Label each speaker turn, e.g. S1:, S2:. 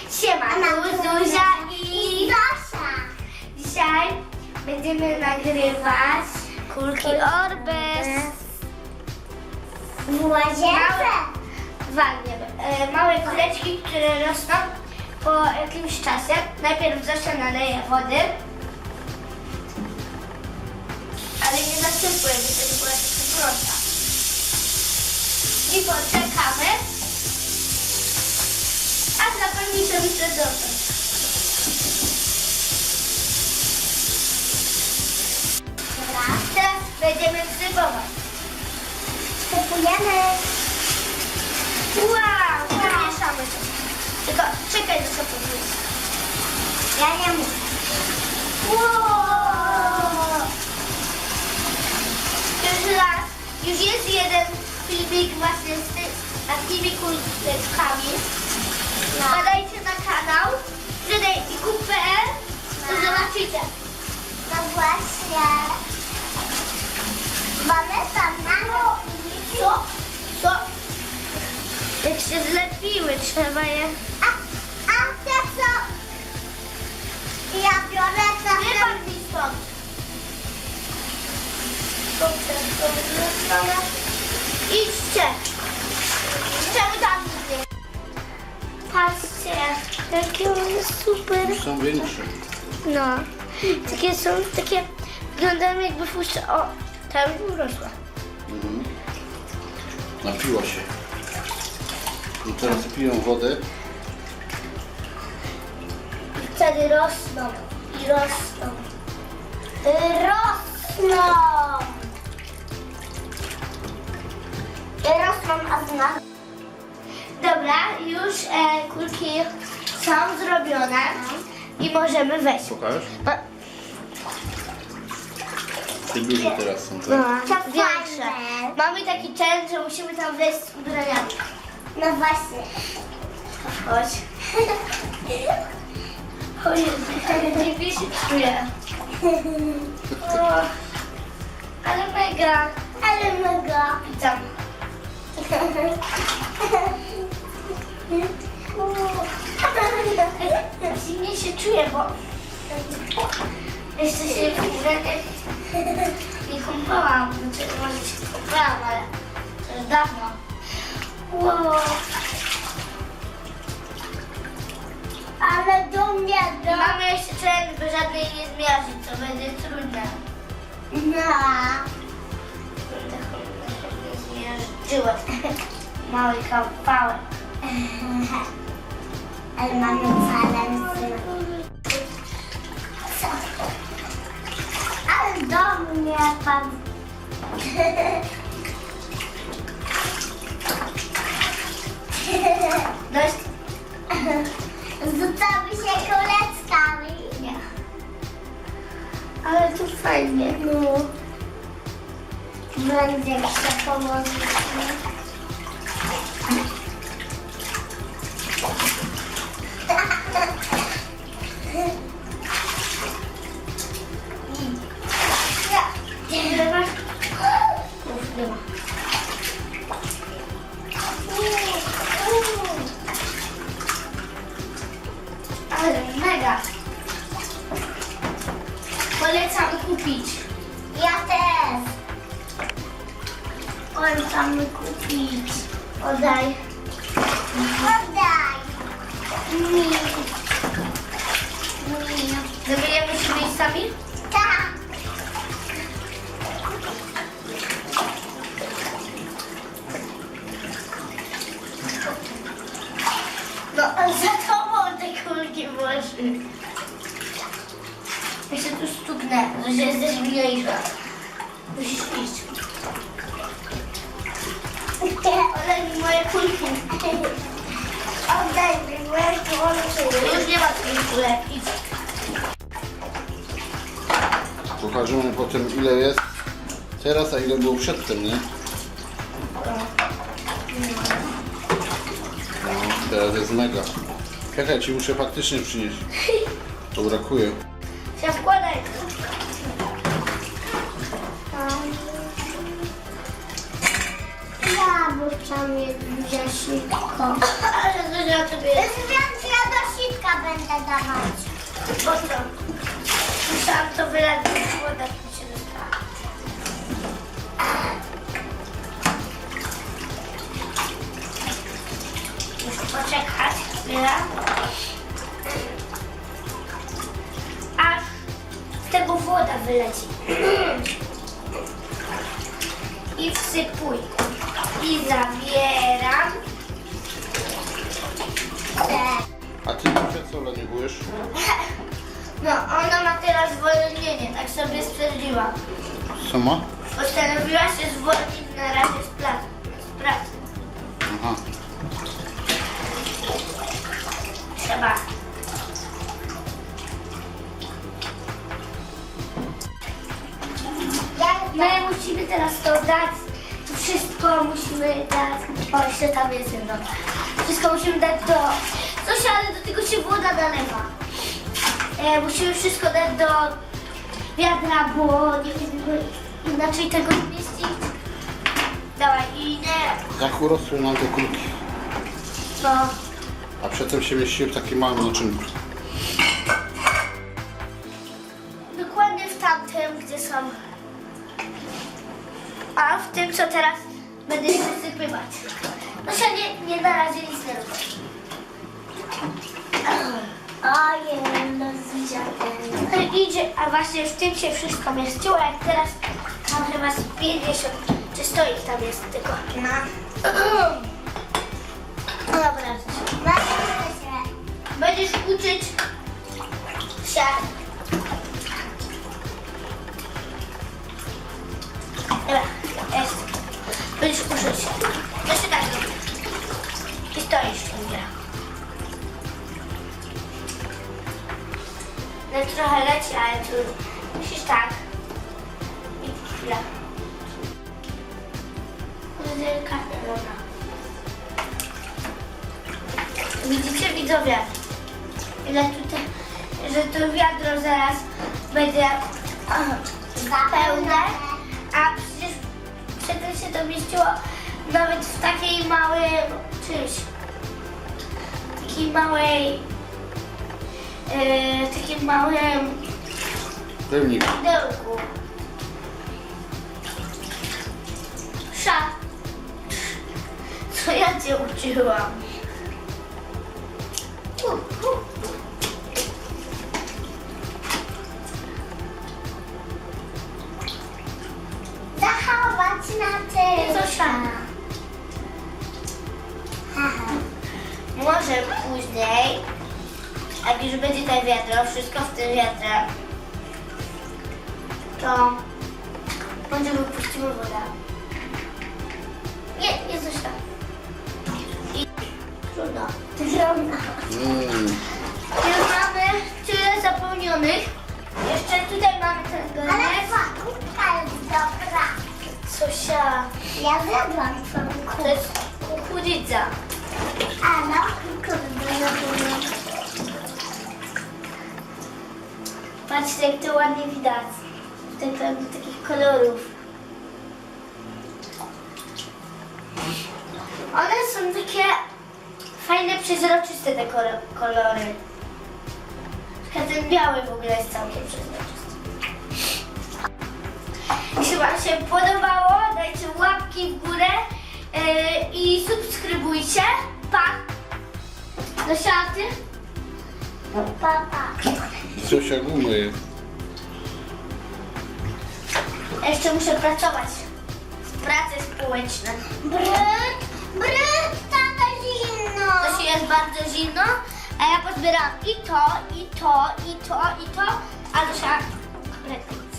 S1: Siema, tu Zuzia i
S2: Zosia.
S1: dzisiaj będziemy nagrywać kulki Orbez
S2: W łazience.
S1: Małe kuleczki, które rosną po jakimś czasie. Najpierw Zosia naleje wody, ale nie nasypuje, bo to była taka prosta. I poczekamy, aż napełni się wysadzony.
S2: Dobra.
S1: Teraz będziemy wsypować.
S2: Wsypujemy.
S1: Wow, zamieszamy to. Tylko czekaj, że to podnieść.
S2: Ja nie muszę.
S1: Wow. Już jest jeden filmik właśnie z takimi kuleczkami. Wpadajcie na kanał wydaj.pl, to zobaczycie.
S2: No właśnie. Mamy tam na
S1: Co? Co? Jak się zlepiły, trzeba je...
S2: A te co? Ja biorę trochę.
S1: Wypadł mi stąd. Idźcie. Czemu tam idzie? Patrzcie, jakie one super.
S3: Już są większe.
S1: No, takie są, takie wyglądają jakby fuszcze. O, ta już urosła.
S3: Mhm. Napiła się. I teraz piją wodę.
S1: I wtedy rosną. I rosną.
S2: Rosną. Rosną, a z nas.
S1: Dobra, już kulki są zrobione i możemy wejść.
S3: Pokaż.
S1: No,
S3: Te duże teraz są,
S1: no,
S3: tak?
S1: większe.
S2: fajne.
S1: Mamy taki challenge, że musimy tam wejść z ubraniami.
S2: No właśnie.
S1: Chodź. O Jezu, dziwnie się czuję. O, ale mega.
S2: Ale mega.
S1: Witam. Dziwnie się czuję, bo jeszcze się nie kąpałam. Znaczy, może się kąpałam, ale to już dawno. Wow.
S2: Ale do mnie,
S1: I mamy jeszcze challenge, by żadnej nie zmiażdżyć, co będzie trudne.
S2: No.
S1: Nie zmiażdżyła. Mały kawałek.
S2: Ale mamy challenge. Co? Ale do mnie pan.
S1: Dość?
S2: Rzucamy się koleckami.
S1: Nie. Ale tu fajnie.
S2: No. Będzie się pomoże.
S1: Nie ma. Uf, nie ma. Ale mega. Polecam kupić.
S2: Ja też.
S1: Polecamy kupić. Oddaj.
S2: Oddaj.
S1: Mi. Zabijemy się miejscami?
S2: Tak.
S1: No, za tobą te kulki włoży. Ja się tu stuknę, że jesteś mniejsza. Musisz iść. Oddaj mi moje kulki.
S2: Oddaj mi moje kulki.
S1: Już nie ma twoich kulek. Idź.
S3: Pokażemy potem ile jest teraz, a ile było przedtem, nie? No, teraz jest mega. Czekaj, ci muszę faktycznie przynieść. To brakuje.
S1: Się wkładaj.
S2: Ja bym chciał mieć jaśniutko.
S1: Ale Zuzia tobie jest.
S2: Więc ja do dawać.
S1: Po co? Musiałam to wylać, bo woda mi się dostała. Muszę poczekać chwilę. Aż z tego woda wyleci. I wsypuj. I zabieram.
S3: A ty dzisiaj co leniwujesz?
S1: No, ona ma teraz zwolnienie, tak sobie stwierdziła.
S3: Co ma?
S1: Postanowiła się zwolnić na razie z pracy.
S3: Aha.
S1: Trzeba. My musimy teraz to dać. To wszystko musimy dać. O, jeszcze tam jest jedno. Wszystko musimy dać do... Coś, ale do tego się woda nalewa. Musimy wszystko dać do wiadra, bo nie będziemy inaczej tego nie mieścić. Dawaj, i nie...
S3: Jak urosły nam te kulki?
S1: No.
S3: A przedtem się mieściły w takim małym naczynku.
S1: Dokładnie w tamtym, gdzie są. A w tym, co teraz będę wysypywać. No się nie na razie nic nie robię.
S2: Ojej, no zdziadłem.
S1: Idzie, a właśnie w tym się wszystko mieściło, jak teraz tam chyba z 50 czy 100 ich tam jest tylko.
S2: No.
S1: No dobra.
S2: Zobaczmy się.
S1: Będziesz uczyć się. Dobra, jest. Będziesz uczyć się. To się tak robi. I stoisz ciągle. No trochę leci, ale tu musisz tak. I chwilę. Delikatnie, dobra. Widzicie, widzowie, ile tutaj, że to wiadro zaraz będzie pełne, a przecież przedtem się to mieściło nawet w takiej małej czymś, takiej małej, takim małym
S3: Pełnik.
S1: pudełku. Co ja cię uczyłam?
S2: Zachować na tym.
S1: Zosia. Może później, jak już będzie to wiadro, wszystko w tym wiadrze, to może wypuścimy wodę. Nie Zosia. I trudno.
S2: Trudno.
S1: Już mamy tyle zapełnionych. Jeszcze tutaj mamy ten
S2: Ale
S1: granat.
S2: faktura jest dobra.
S1: Zosia,
S2: Ja zjadłam twoją
S1: to
S2: kubkę.
S1: jest kukurydza.
S2: A no, kurde, zrobiłam.
S1: Patrzcie, jak to ładnie widać. Tutaj pełno takich kolorów. One są takie fajne, przezroczyste te kolory. Ten biały w ogóle jest całkiem przezroczysty. Jeśli Wam się podobało, dajcie łapki w górę i subskrybujcie. Pa! Do siaty.
S2: Papa.
S3: Coś jak umyje.
S1: Jeszcze muszę pracować. Prace społeczne.
S2: Brud, tata zimno.
S1: To się jest bardzo zimno, a ja pozbieram i to, i to, i to, i to, a Zosia kompletnie.